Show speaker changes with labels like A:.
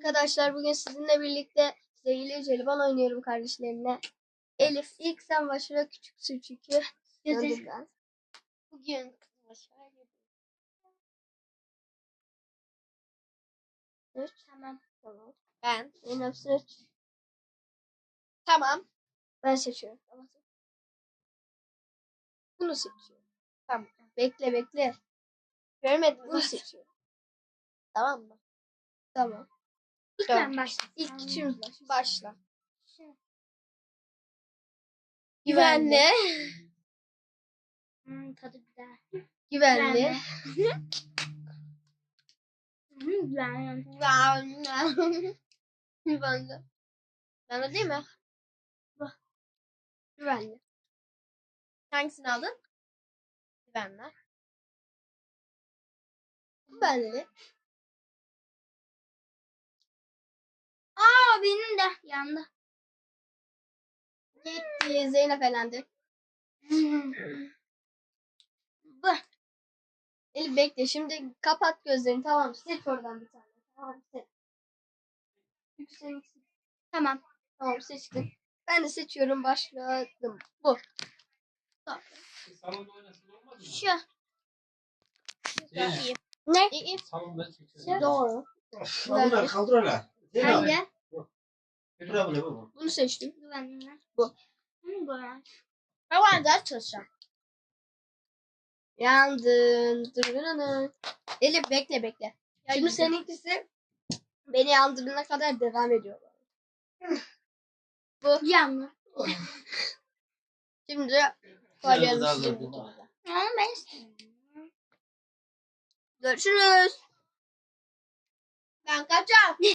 A: Arkadaşlar bugün sizinle birlikte zehirli jelibon oynuyorum kardeşlerimle. Elif ilk sen başla, küçüksün çünkü. Döndüm ben.
B: Bugün başarılı.
A: 3.
B: Tamam.
A: Tamam.
B: Ben.
A: Benim 3.
B: Tamam.
A: Ben seçiyorum. Tamam. Bunu seçiyorum.
B: Tamam.
A: Bekle.
B: Görmedim.
A: Bunu seçiyorum.
B: Tamam mı?
A: Tamam.
B: İlk ben
A: İlk küçüğümüz başlasın.
B: Başla.
A: Güvenli.
B: Tadı güzel.
A: Güvenli.
B: Güvenli.
A: Güvenli.
B: Ben de değil mi?
A: Güvenli.
B: Hangisini aldın? Güvenli.
A: Güvenli.
B: Aa benim de yandı.
A: Gitti. Zeynep elendi. Bu. Elif bekle. Şimdi kapat gözlerini. Tamam. Seç oradan bir tane. Tamam. Seç. Seç.
B: Tamam.
A: Tamam seçtim. Ben de seçiyorum. Başladım. Bu. Tamam.
C: Salonda oynasın olmaz mı?
B: Şu.
C: Zeynep.
B: İyi.
A: Ne?
B: İyi.
C: Salonda çekeceğiz.
A: Doğru.
C: Bunlar kaldır öyle.
B: Hangi?
C: Bravo ne bu?
A: Bunu seçtim.
B: Güvenli.
A: Bu.
B: Bu. Ben ders çalışacağım.
A: Yandın. Dırırırı. Elif bekle. Şimdi seninkisi beni yandırana kadar devam ediyor. Bu.
B: Yandı.
A: Şimdi koyalım sizin ikinize.
B: Ama ben istemiyorum.
A: Görüşürüz.
B: Ben kaçacağım.